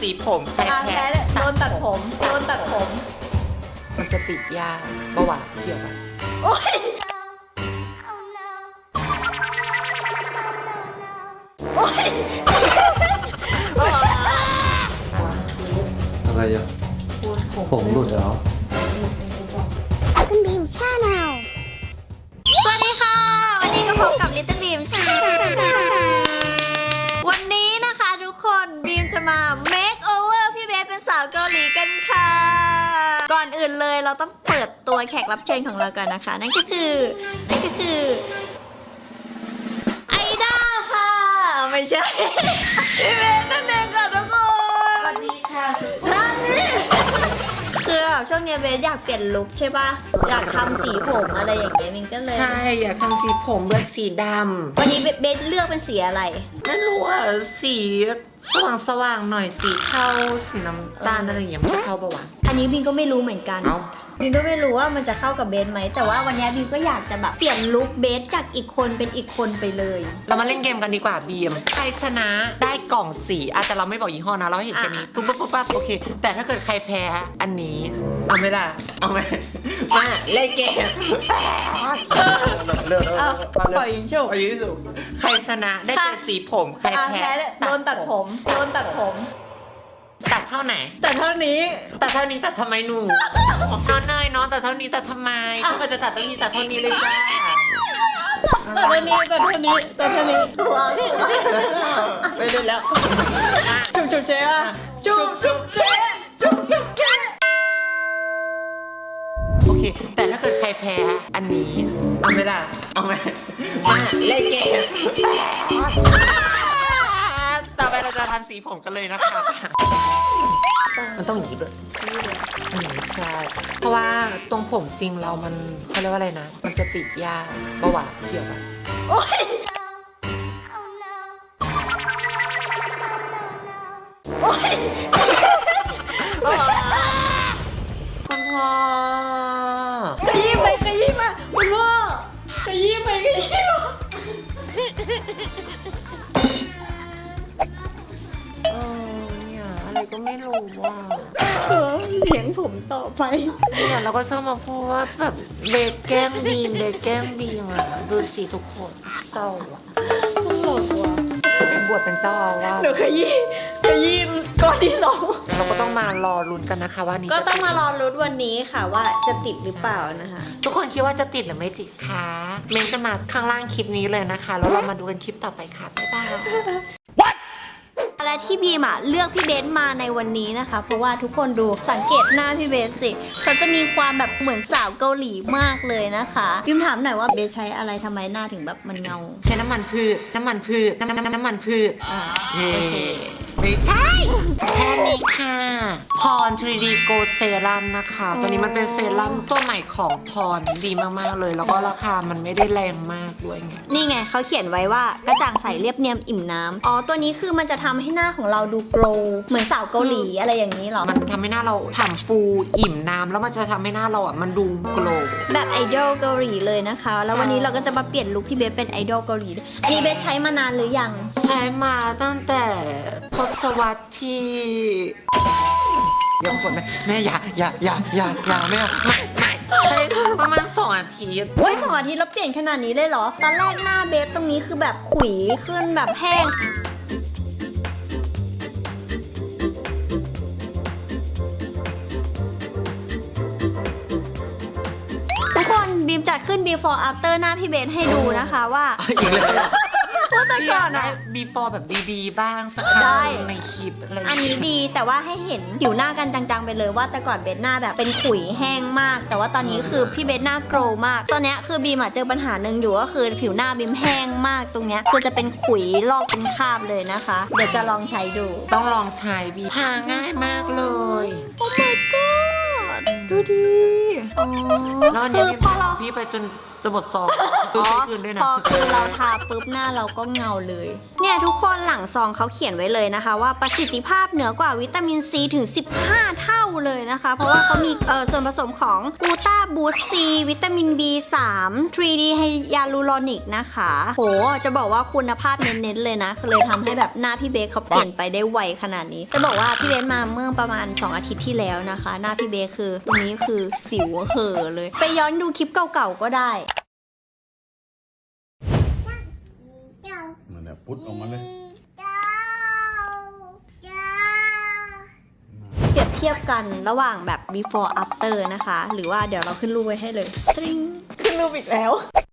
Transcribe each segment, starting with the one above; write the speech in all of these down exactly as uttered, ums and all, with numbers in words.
สีผมใครแพ้โดนตัดผมโดนตัดผมมันจะติดยาเบาหวานเกี่ยวกันโอ๊ยโอ๊ยอะไรอ่ะผมหลุดแล้วคุณบีมชาแนลสวัสดีค่ะ วันนี้ก็พบกับลิตเติ้ลบีมชาแนลวันนี้นะคะทุกคนบีมจะมา make over พี่เบสเป็นสาวเกาหลีกันค่ะ ก่อนอื่นเลยเราต้องเปิดตัวแขกรับเชิญของเรากันนะคะ นั่นก็คือนั่นก็คือไอด้าค่ะไม่ใช่พี่เบสนั่นเองค่ะทุกคนสวัสดีค่ะท่านนี้คือแบบช่วงนี้เบสอยากเปลี่ยนลุคใช่ปะอยากทำสีผมอะไรอย่างเงี้ยมินก็เลยใช่อยากทำสีผมแบบสีดำวันนี้เบสเลือกเป็นสีอะไรไม่รู้อ่ะสีสว่างสว่างหน่อยสีเทาสีน้ำตาลอะไรอย่างเงี้ยมันจะเข้าปะวะอันนี้บินก็ไม่รู้เหมือนกันบินก็ไม่รู้ว่ามันจะเข้ากับเบสไหมแต่ว่าวันนี้บินก็อยากจะแบบเปลี่ยนลุคเบสจากอีกคนเป็นอีกคนไปเลยเรามาเล่นเกมกันดีกว่าบีมใครชนะได้กล่องสีอาจจะเราไม่บอกยี่ห้อนะเราให้เห็นแค่นี้ปุ๊บปุ๊บปุ๊บปั๊บโอเคแต่ถ้าเกิดใครแพ้อันนี้เอาไหมล่ะเอาไหมมาเล่นเกมเร็วๆเอาปล่อยยิงโชว์ปล่อยยิงสุใครชนะได้เป็นสีผมใครแพ้โดนตัดผมโดนตัดผมตัดเท่าไหนตัดเท่านี้ตัดเท่านี้ตัดทำไมหนูน้องเนยน้องตัดเท่านี้ตัดทำไมถ้าเกิดจะตัดต้องนี้ตัดเท่านี้เลยจ้าตัดเท่านี้ตัดเท่านี้ตัดเท่านี้ตัวไปเล่นแล้วจุ๊บจุ๊บเจ๊อะจุ๊บจุ๊บเจ๊จุ๊บจุ๊บเจ๊โอเคแต่ถ้าเกิดใครแพ้อันนี้เอาไหมล่ะเอาไหมมาเล่นเกมต่อไปเราจะทำสีผมกันเลยนะคะมันต้องอย่างนี้ด้วยใช่เพราะว่าตรงผมจริงเรามันเขาเรียกว่าอะไรนะมันจะติดยาเบาหวานเกี่ยวกันโอ๊ยโอ๊ยคุณพ่อขยี้ไปขยี้มาคุณพ่อขยี้ไปขยี้มาอะไรก็ไม่รู้ว่าเลี้ยงผมต่อไปเนี่ยเราก็ชอบมาพูดว่าแบบเบสแก้มบีมเบสแก้มบีมอ่ะดูสิทุกคนเศร้าอ่ะตลกว่ะเป็นบวชเป็นเจ้าอาวาสเดี๋ยวขยี้ขยี้ก่อนที่สองเราก็ต้องมารอลุ้นกันนะคะว่านี้ก็ต้องมารอลุ้นวันนี้ค่ะว่าจะติดหรือเปล่านะคะทุกคนคิดว่าจะติดหรือไม่ติดคะเมนจะมาข้างล่างคลิปนี้เลยนะคะแล้วเรามาดูกันคลิปต่อไปค่ะบ๊ายบายและที่บีมอะเลือกพี่เบสมาในวันนี้นะคะเพราะว่าทุกคนดูสังเกตหน้าพี่เบสสิเขาจะมีความแบบเหมือนสาวเกาหลีมากเลยนะคะบีมถามหน่อยว่าเบสใช้อะไรทำไมหน้าถึงแบบมันเงาใช้น้ำมันพืชน้ำมันพืชน้ำน้ำน้ำมันพืชอ่าเย่ไม่ใช่แค่นี้ค่ะพร ทรี ดี Go Serum นะคะตัวนี้มันเป็นเซรั่มตัวใหม่ของพรดีมากๆเลยแล้วก็ราคามันไม่ได้แรงมากด้วยไงนี่ไงเขาเขียนไว้ว่ากระจ่างใสเรียบเนียมอิ่มน้ำอ๋อตัวนี้คือมันจะทำให้หน้าของเราดูโกลว์เหมือนสาวเกาหลีอะไรอย่างนี้หรอมันทำให้หน้าเราฉ่ำฟูอิ่มน้ำแล้วมันจะทำให้หน้าเราอ่ะมันดูโกลว์แบบไอดอลเกาหลีเลยนะคะแล้ววันนี้เราก็จะมาเปลี่ยนลุคพี่เบสเป็นไอดอลเกาหลีอันนี้เบสใช้มานานหรือยังใช้มาตั้งแต่ทศวรรษที่ยังคนไหมแม่อย่าอย่าอย่าอย่าอย่าแม่ไม่ไม่ใช่ประมาณสองอาทิตย์โอ้ยสองอาทิตย์แล้วเปลี่ยนขนาดนี้เลยเหรอตอนแรกหน้าเบสตรงนี้คือแบบขุยขึ้นแบบแห้งทุกคนบีมจัดขึ้น before after หน้าพี่เบสให้ดูนะคะว่าอีกแล้วว่าแต่ก่อนอะ before แบบดีๆบ้างสักครั้งในคลิปอะไรอันนี้ดีแต่ว่าให้เห็นผิวหน้ากันจังๆไปเลยว่าแต่ก่อนเบสหน้าแบบเป็นขุยแห้งมากแต่ว่าตอนนี้คือพี่เบสหน้าโกรมากตอนนี้คือบีมอะเจอปัญหาหนึ่งอยู่ก็คือผิวหน้าบีมแห้งมากตรงเนี้ยคือจะเป็นขุยลอกเป็นคราบเลยนะคะเดี๋ยวจะลองใช้ดูต้องลองใช้บีทาง่ายมากเลยโอ้ my god ดูดิแล้ววันนี้พอเราพี่ไปจนจะหมดซองอ๋อพอคือเราทาปุ๊บหน้าเราก็เงาเลยเนี่ยทุกคนหลังซองเขาเขียนไว้เลยนะคะว่าประสิทธิภาพเหนือกว่าวิตามินซีถึงสิบห้าเท่าเลยนะคะ เพราะว่าเขามีเอ่อส่วนผสมของกูต้าบูสซีวิตามิน บี สาม ทรี ดี ไฮยาลูรอนิกนะคะโหจะบอกว่าคุณภาพเน้นๆเลยนะเลยทำให้แบบหน้าพี่เบคเขาเปลี่ยนไปได้ไวขนาดนี้จะบอกว่าพี่เบคมาเมื่อประมาณสองอาทิตย์ที่แล้วนะคะ หน้าพี่เบคคือตรงนี้คือสิวเห่อเลย ไปย้อนดูคลิปเก่าๆก็ได้มันเนี่ยพุดออกมาเลยเปรียบเทียบกันระหว่างแบบ before after นะคะ หรือว่าเดี๋ยวเราขึ้นรูปไว้ให้เลยตริงขึ้นรูปอีกแล้ว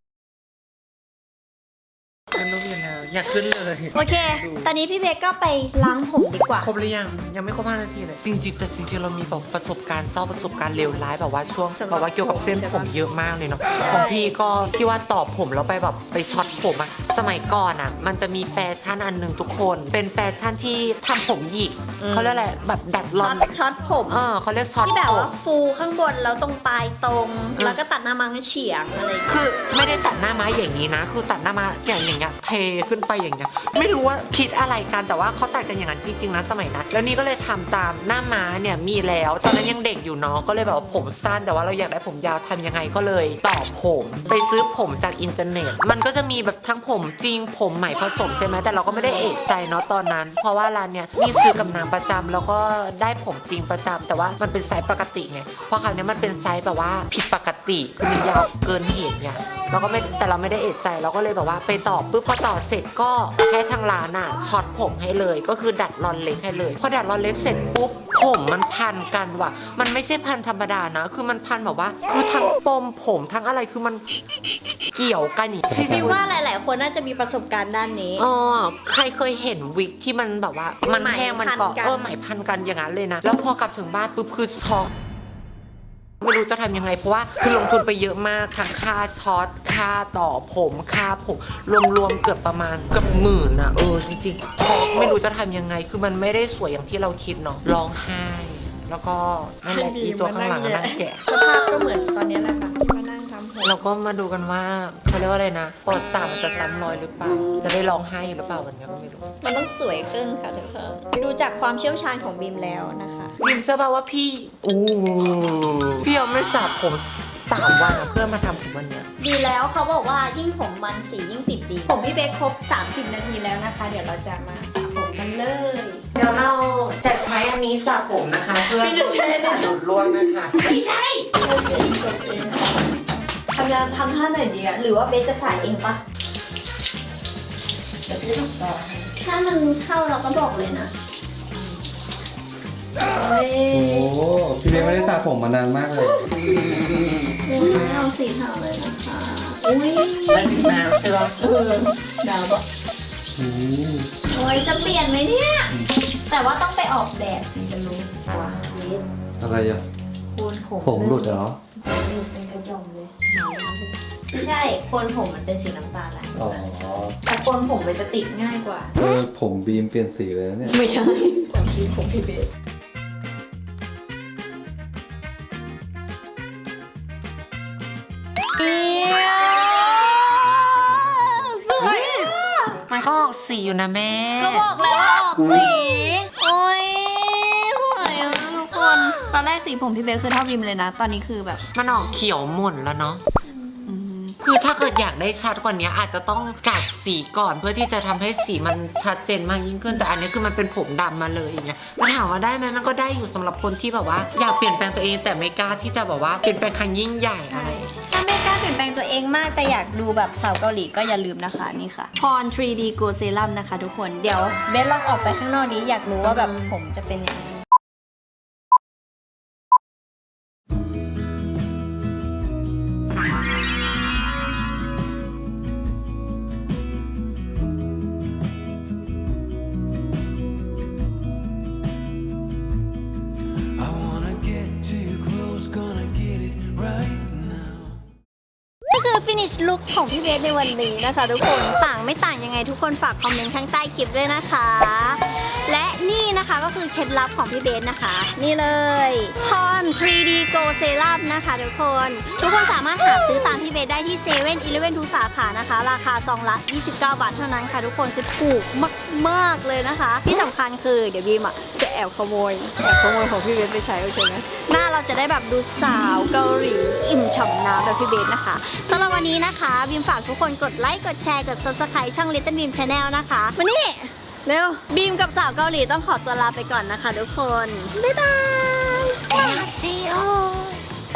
ขึ้นรูปอยู่แล้วอยากขึ้นเลยโอเค ตอนนี้พี่เบคก็ไปล้างผมดีกว่าครบหรือยังยังไม่ครบห้านาทีเลยจริงๆแต่จริงๆเรามีแบบประสบการณ์เศร้าประสบการณ์เลวร้ายแบบว่าช่วงแบบว่าเกี่ยวกับเส้นผมเยอะมากเลยเนาะของพี่ก็ที่ว่าต่อผมแล้วไปแบบไปช็อตผมอะสมัยก่อนอะมันจะมีแฟชั่นอันหนึ่งทุกคน เป็นแฟชั่นที่ทำผมหยิกอืมเขาเรียกอะไรแบบดัดรช็ออน ตช็อตผมเออเขาเรียกช็อตที่แบบผมว่าฟูข้างบนแล้วตรงปลายตรง แล้วก็ตัดหน้ามังเฉียงอะไรอย่างเงี้ยคือไม่ได้ตัดหน้าม้าอย่างนี้นะ คือตัดหน้าม้าอย่างอย่างเงี้ยเทขึ้นไปอย่างเงี้ยไม่รู้ว่าคิดอะไรกันแต่ว่าเขาตัดกันอย่างนั้นจริงๆนะสมัยนั้นแล้วนี่ก็เลยทำตามหน้าม้าเนี่ยมีแล้วตอนนั้นยังเด็กอยู่เนาะก็เลยแบบว่าผมสั้นแต่ว่าเราอยากได้ผมยาวทำยังไงก็เลยต่อผมไปซื้อผมจากอินเทอร์เน็ต มันก็จะมีแบบทั้งผมจริงผมใหม่ผสมใช่ไหมแต่เราก็ไม่ได้เอะใจเนาะตอนนั้น เพราะว่าร้านเนี่ยมีซื้อกับนางประจำแล้วก็ได้ผมจริงประจำแต่ว่ามันเป็นไซส์ปกติไงเพราะคราวนี้มันเป็นไซส์แบบว่าผิดปกติคือมันยาวเกินเหตุไงเราก็ไม่แต่เราไม่ได้เอะใจเราก็เลยแบบว่าไปต่อปุ๊บพอต่อเสร็จก็ให้ทางร้านอ่ะช็อตผมให้เลยก็คือดัดรอนเล็กให้เลยพอดัดรอนเล็กเสร็จปุ๊บผมมันพันกันว่ะมันไม่ใช่พันธรรมดานะคือมันพันแบบว่าคือทั้งปมผมทั้งอะไรคือมันเกี่ยวกันอย่างที่คิดว่าหลาย ๆ คนน่าจะมีประสบการณ์ด้านนี้อ๋อใครเคยเห็นวิกที่มันแบบว่ามันแห้งมันเกาะไหมพันกันเออไหมพันกันอย่างนั้นเลยนะแล้วพอกลับถึงบ้านปุ๊บคือช็อกไม่รู้จะทำยังไงเพราะว่าคือลงทุนไปเยอะมากทั้งค่าช็อตค่าต่อผมค่าผมรวมๆเกือบประมาณเกือบหมื่นอะเออจริงๆช็อกไม่รู้จะทำยังไงคือมันไม่ได้สวยอย่างที่เราคิดเนาะร้องไห้แล้วก็นั่นแหละอีตัวข้างหลังก็นั่งแกะสภาพก็เหมือนตอนนี้แหละค่ะที่มานั่งทำผมเราก็มาดูกันว่าเขาเรียกว่าอะไรนะปอดสามจะซ้ำรอยหรือเปล่าจะได้ร้องไห้หรือเปล่าวันนี้ก็ไม่รู้มันต้องสวยขึ้นค่ะทุกคนดูจากความเชี่ยวชาญของบีมแล้วนะคะบิมเชื่อป่าว่าพี่อู้พี่ยังไม่สระผมสามวันอะเพื่อมาทำผมวันเนี้ยดีแล้วเขาบอกว่ายิ่งผมมันสียิ่งติดดี ผมพี่เบคครบ สามสิบ นาทีแล้วนะคะ เดี๋ยวเราจะมาสระผมกันเลยเดี๋ยวเราจะใช้อันนี้สระผมนะคะ เพื่อไม่ได้ใช้นะดูดร่วงนะคะไม่ใช่ทำงานทำท่าไหนดีอะหรือว่าเบคจะใส่เองปะเดี๋ยวพี่ต้องต่อถ้ามันเข้าเราก็บอกเลยนะเฮ้ยโอ้พี่เบคไม่ได้สระผมมานานมากเลยไม่เอาสีเทาเลยนะคะ อุ้ยไม่ถึงน้ำใช่ปะเออดาวบอกอืมโอ้ยจะเปลี่ยนไหมเนี่ย แต่ว่าต้องไปออกแบบถึงจะรู้ว่าเบสอะไรอ่ะโคนผมผมหลุดเหรอผมหลุดเป็นกระจอมเลยไม่ใช่โคนผมมันเป็นสีน้ำตาลแหละอ๋อแต่โคนผมมันจะติดง่ายกว่าเออผมบีมเปลี่ยนสีเลยนะเนี่ยไม่ใช่ความคิดของพี่เบสสวยอะมันก็ออกสีอยู่นะแม่ก็บอกแล้วว่าออกสี โอ้ยสวยอ่ะทุกคน ตอนแรกสีผมพี่เบสคือเท่าบิมเลยนะ ตอนนี้คือแบบมันออกเขียวหม่นแล้วเนาะคือถ้าเกิดอยากได้ชัดกว่านี้อาจจะต้องกัดสีก่อนเพื่อที่จะทำให้สีมันชัดเจนมากยิ่งขึ้นแต่อันนี้คือมันเป็นผมดำมาเลยอย่างเงี้ยมันถามว่าได้ไหมมันก็ได้อยู่สำหรับคนที่แบบว่าอยากเปลี่ยนแปลงตัวเองแต่ไม่กล้าที่จะแบบว่าเปลี่ยนแปลงครั้งยิ่งใหญ่อะไรถ้าไม่กล้าเปลี่ยนแปลงตัวเองมากแต่อยากดูแบบสาวเกาหลีก็อย่าลืมนะคะนี่ค่ะพร ทรี ดี Go Serum นะคะทุกคน เดี๋ยวเบสลองออกไปข้างนอกนี้อยากรู้ว่าแบบผมจะเป็นยังไง I wanna get too close, gonna get it right now. ก็คือ finish look ของพี่เบสในวันนี้นะคะทุกคนต่างไม่ต่างยังไงทุกคนฝากคอมเมนต์ข้างใต้คลิปด้วยนะคะและนี่นะคะก็คือเคล็ดลับของพี่เบสนะคะ นี่เลยพอน ทรี ดี Go Serum นะคะทุกคนทุกคนสามารถหาซื้อตามพี่เบสได้ที่เซเว่นอีเลฟเว่นทุกสาขานะคะราคาซองละยี่สิบเก้าบาทเท่านั้นค่ะทุกคนคือถูกมากๆเลยนะคะที่สำคัญคือเดี๋ยวบีมอ่ะจะแอบขโมยแอบขโมยของพี่เบสไปใช้โอเคไหมหน้าเราจะได้แบบดูสาวเกาหลีอิ่มฉ่ำน้ำแบบพี่เบสนะคะสำหรับวันนี้นะคะบีมฝากทุกคนกดไลค์กดแชร์กด ซับสไครบ์ ช่อง Little Beam Channel นะคะวันนี้เร็วบีมกับสาวเกาหลีต้องขอตัวลาไปก่อนนะคะทุกคนบ๊ายบาย